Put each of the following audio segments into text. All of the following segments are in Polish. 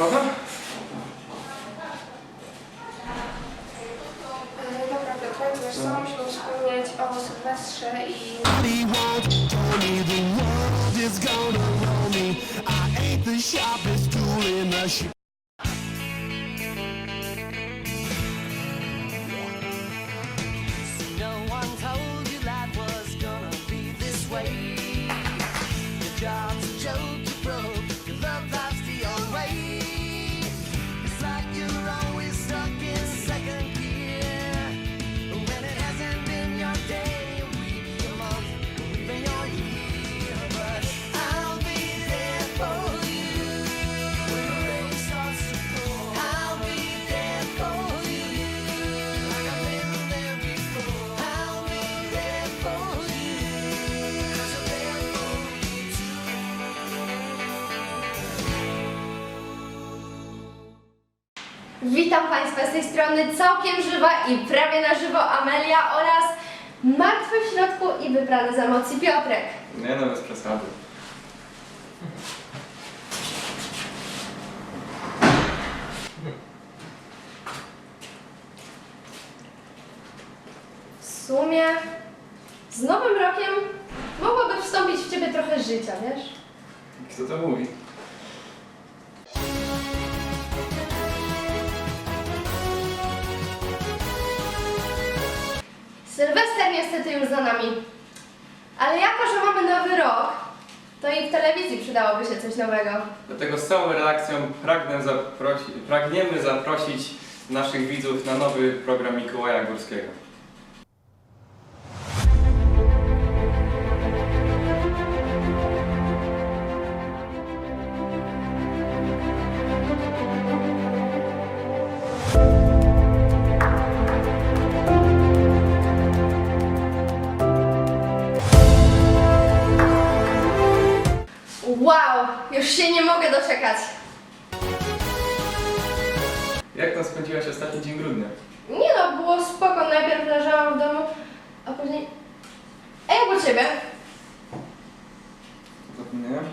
sprawa? Dobra, Piotrek, wiesz co, musimy wspomnieć o Sylwestrze i... No one told you life was gonna be this way. Your job's a joke, you broke, your love life's the old way. It's like you're always stuck in second gear. When it hasn't been your day, week, your month, or even your year. But I'll be there for you when the rain starts to pour. I'll be there for you like I've been there before. I'll be there for you 'cause I'm there for you too. Witam Państwa z tej strony całkiem żywa i prawie na żywo Amelia oraz martwy w środku i wyprany z emocji Piotrek. Nie no, bez przesady. W sumie z nowym rokiem mogłoby wstąpić w Ciebie trochę życia, wiesz? Kto to mówi? Sylwester niestety już za nami. Ale jako, że mamy nowy rok, to i w telewizji przydałoby się coś nowego. Dlatego z całą redakcją pragniemy zaprosić naszych widzów na nowy program Mikołaja Górskiego. Wow, już się nie mogę doczekać. Jak tam spędziłaś ostatni dzień grudnia? Nie no, było spoko, najpierw leżałam w domu, a później... A jak u Ciebie? Zapomniałem?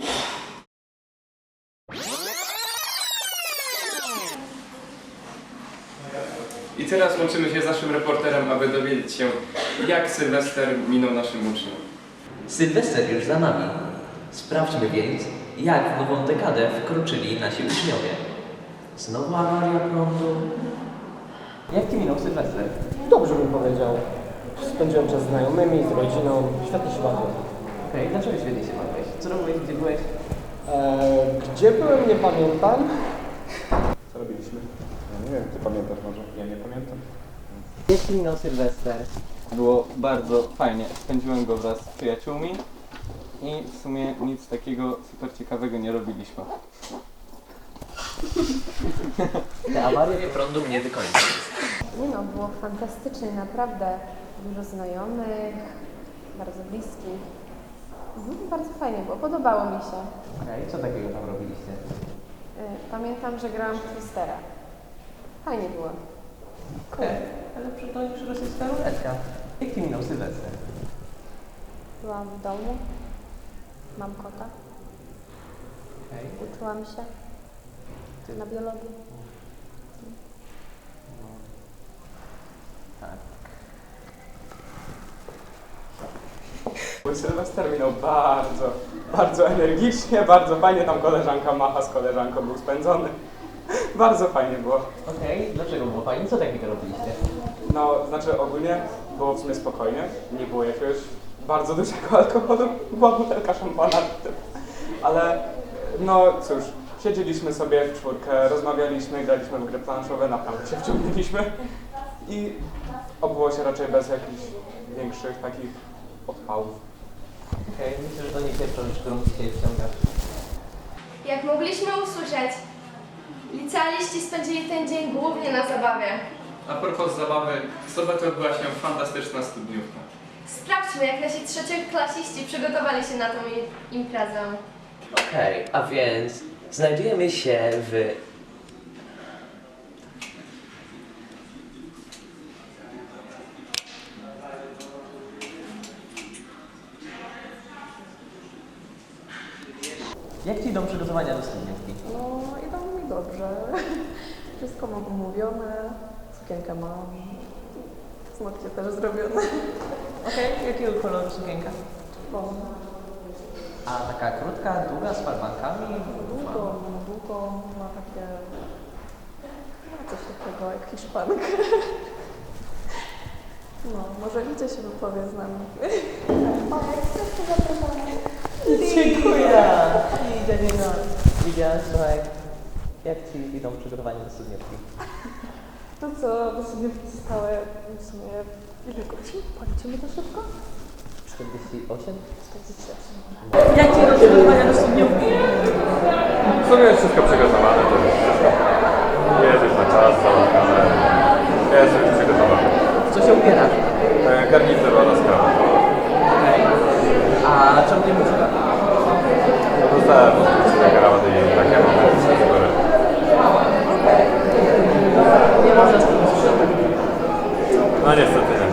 I teraz łączymy się z naszym reporterem, aby dowiedzieć się, jak Sylwester minął naszym uczniom. Sylwester już za nami. Sprawdźmy więc, jak w nową dekadę wkroczyli nasi uczniowie. Znowu awaria prądu. Jak Ci minął Sylwester? Dobrze bym powiedział. Spędziłem czas z znajomymi, z rodziną. Świetnie się bawię. Okej, dlaczego świetnie się bawiłeś? Co robiłeś, gdzie byłeś? Gdzie byłem, nie pamiętam. Co robiliśmy? Ja nie wiem, ty pamiętasz może? Ja nie pamiętam. Jak Ci minął Sylwester? Było bardzo fajnie. Spędziłem go wraz z przyjaciółmi i w sumie nic takiego super ciekawego nie robiliśmy. Te awarie prądu mnie wykończą. Nie no, było fantastycznie, naprawdę. Dużo znajomych, bardzo bliskich. Bardzo fajnie było, podobało mi się. Okej, co takiego tam robiliście? Pamiętam, że grałam w Twistera. Fajnie było. Okej, ale to już rosyjska ruletka. Jak Ci minął Sylwester? Byłam w domu, mam kota, Okej. uczyłam się na biologii. Tak. Mój Sylwester minął bardzo energicznie, bardzo fajnie. Tam koleżanka macha z koleżanką był spędzony. Bardzo fajnie było. Okej, dlaczego było fajnie? Co takiego robiliście? No, znaczy ogólnie było w sumie spokojnie. Nie było jakiegoś bardzo dużego alkoholu. Była butelka szampana. Ale no cóż, siedzieliśmy sobie w czwórkę, rozmawialiśmy, graliśmy w gry planszowe, naprawdę się wciągnęliśmy. I obyło się raczej bez jakichś większych takich odpałów. Okej, myślę, że to nie pierwsza rzecz, którą dzisiaj wciągasz. Jak mogliśmy usłyszeć, licealiści spędzili ten dzień głównie na zabawie. A propos zabawy, w sobotę odbyła się fantastyczna studniówka. Sprawdźmy, jak nasi trzecioklasiści przygotowali się na tą imprezę. Okej, a więc znajdujemy się w... Jak Ci idą przygotowania do studniówki? No, idą mi dobrze. Wszystko mam umówione, sukienkę mam, paznokcie też zrobione. Okej, jakiego koloru sukienka? Czerwone. A taka krótka, długa, z farbankami? Długo ma takie... Ma coś takiego jak hiszpanka. No, może Lidia się wypowie z nami. O, jak chcesz, to zapraszamy. Dziękuję! Lidia, słuchaj, jak Ci idą przygotowania do studniówki? To co, do studniówki zostały w sumie... Ile godzin? Policzymy to szybko? 48? 48. Jak Ci rozwiązania do studniówki? W sumie jest wszystko przygotowane, to jest wszystko. Jedziesz na czas, załatwione. Jest już przygotowane. Co się ubierasz? Garnitur oraz kawa. A czemu nie muzyka? Dostałem od gramady i takie mam wybory. Nie można z tym sprzątać. No niestety nie.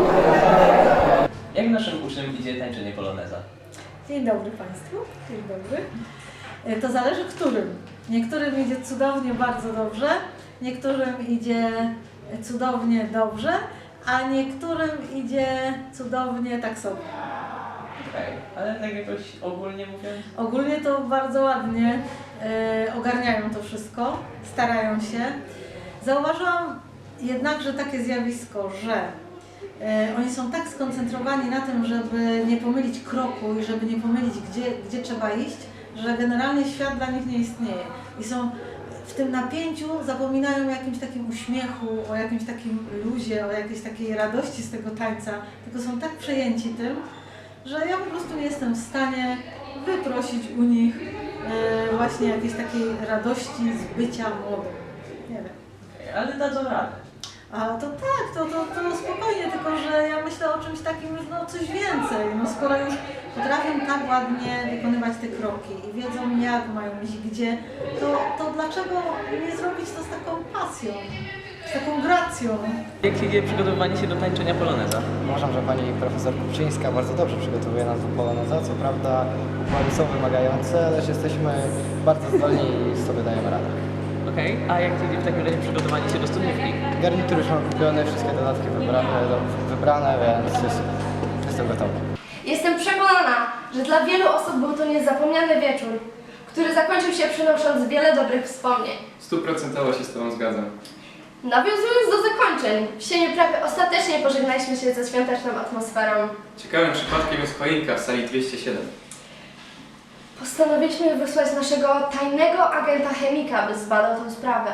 Jak naszym uczniom idzie tańczenie poloneza? Dzień dobry Państwu. Dzień dobry. To zależy którym. Niektórym idzie cudownie, bardzo dobrze, niektórym idzie cudownie, dobrze, a niektórym idzie cudownie tak sobie. Okej, ale tak jakoś ogólnie mówiąc? Ogólnie to bardzo ładnie ogarniają to wszystko, starają się. Zauważyłam jednakże takie zjawisko, że oni są tak skoncentrowani na tym, żeby nie pomylić kroku i żeby nie pomylić, gdzie trzeba iść, że generalnie świat dla nich nie istnieje. I są w tym napięciu, zapominają o jakimś takim uśmiechu, o jakimś takim luzie, o jakiejś takiej radości z tego tańca, tylko są tak przejęci tym, że ja po prostu nie jestem w stanie wyprosić u nich właśnie jakiejś takiej radości z bycia młodym. Nie wiem. Ale dadzą radę. A to tak, to spokojnie, tylko że ja myślę o czymś takim, no coś więcej. No skoro już potrafią tak ładnie wykonywać te kroki i wiedzą jak mają iść gdzie, to dlaczego nie zrobić to z taką pasją, z taką gracją? Jak idzie przygotowywanie się do tańczenia poloneza? Uważam, że pani profesor Kupczyńska bardzo dobrze przygotowuje nas do poloneza. Co prawda układy są wymagające, lecz jesteśmy bardzo zdolni i sobie dajemy radę. Okej, a jak idzie w takim razie przygotowanie się do studniówki? Garnitur już mam kupiony, wszystkie dodatki wybrane, więc jestem gotowy. Jestem przekonana, że dla wielu osób był to niezapomniany wieczór, który zakończył się przynosząc wiele dobrych wspomnień. 100% się z Tobą zgadzam. Nawiązując do zakończeń, w sieniu prawie ostatecznie pożegnaliśmy się ze świąteczną atmosferą. Ciekawym przypadkiem jest choinka w sali 207. Postanowiliśmy wysłać naszego tajnego agenta chemika, by zbadał tę sprawę.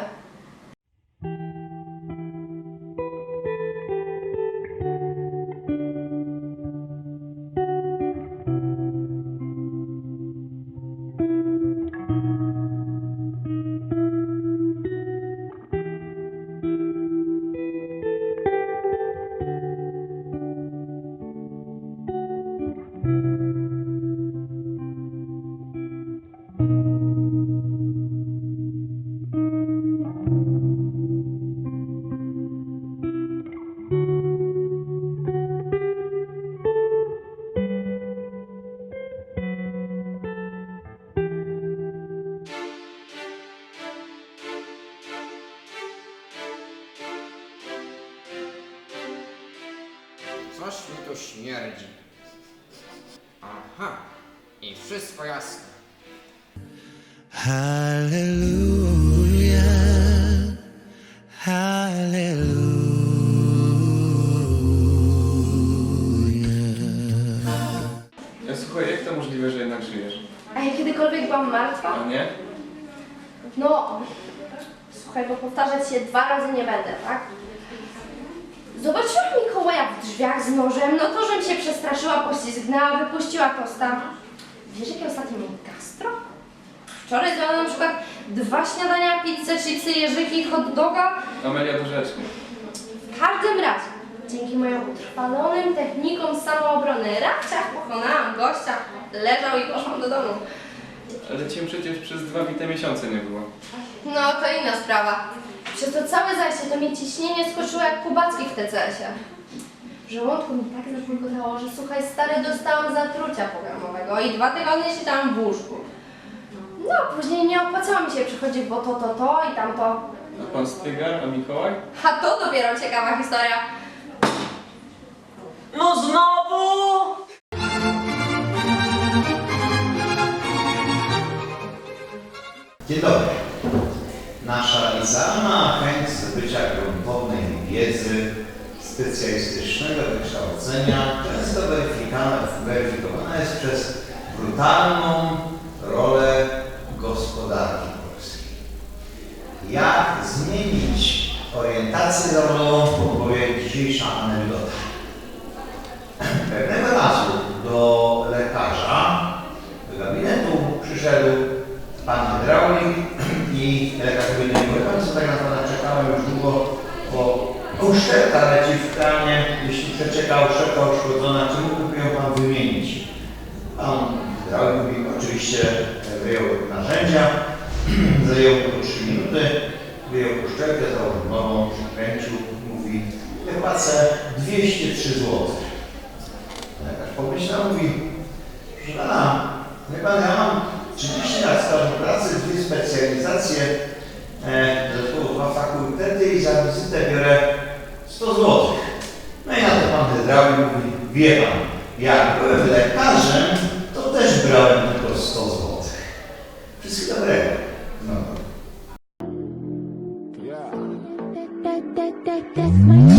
Coś mi tu śmierdzi. Aha, i wszystko jasne. Hallelujah, hallelujah. Słuchaj, jak to możliwe, że jednak żyjesz? A ja kiedykolwiek byłam martwa? A nie? No, słuchaj, bo powtarzać się 2 razy nie będę, tak? Zobaczyłam Mikołaja w drzwiach z nożem, no to żem się przestraszyła, poślizgnęła, wypuściła tosta. Wiesz, jakie ostatnio miałem gastro? Wczoraj zjadłam na przykład 2 śniadania, pizzę, chipsy, jeżyki, hot doga. Amelia, to rzecznie. W każdym razie, dzięki moim utrwalonym technikom samoobrony, raczach pokonałam gościa, leżał i poszłam do domu. Ale Cię przecież przez 2 bite miesiące nie było. No, to inna sprawa. Przez to całe zajście to mnie ciśnienie skoczyło jak Kubacki w TCS-ie. W żołądku mi tak zapulgotało, że słuchaj stary, dostałam zatrucia pokarmowego i 2 tygodnie siedziałam w łóżku. No No, później nie opłacało mi się przychodzić, bo to i tamto. A pan Stygar, a Mikołaj? A to dopiero ciekawa historia. No znowu! Dzień dobry. Nasza licealna chęć zdobycia gruntownej wiedzy, specjalistycznego wykształcenia często weryfikowana jest przez brutalną rolę gospodarki polskiej. Jak zmienić orientację zawodową, podpowie dzisiejsza anegdota. Pewnego razu do lekarza, do gabinetu przyszedł pan hydraulik i lekarz powiedział, że tak naprawdę czekałem już długo, bo uszczelka leci w kranie, jeśli przeczeka uszczelka uszkodzona, czy mógłby ją pan wymienić? Pan hydraulik mówi, oczywiście wyjął narzędzia, zajęło to 3 minuty, wyjął uszczelkę, założył nową, przykręcił, mówi, ja płacę 203 zł. Lekarz pomyślał, mówi, proszę pana, wie pan, ja mam 30 lat stażu pracy, 2 specjalizacje, dodatkowo 2 fakultety i za wizytę biorę 100 zł. No i na to pan hydraulik mówi, wie pan, jak byłem lekarzem, to też brałem tylko 100 zł. Wszystkiego dobrego. No. That's my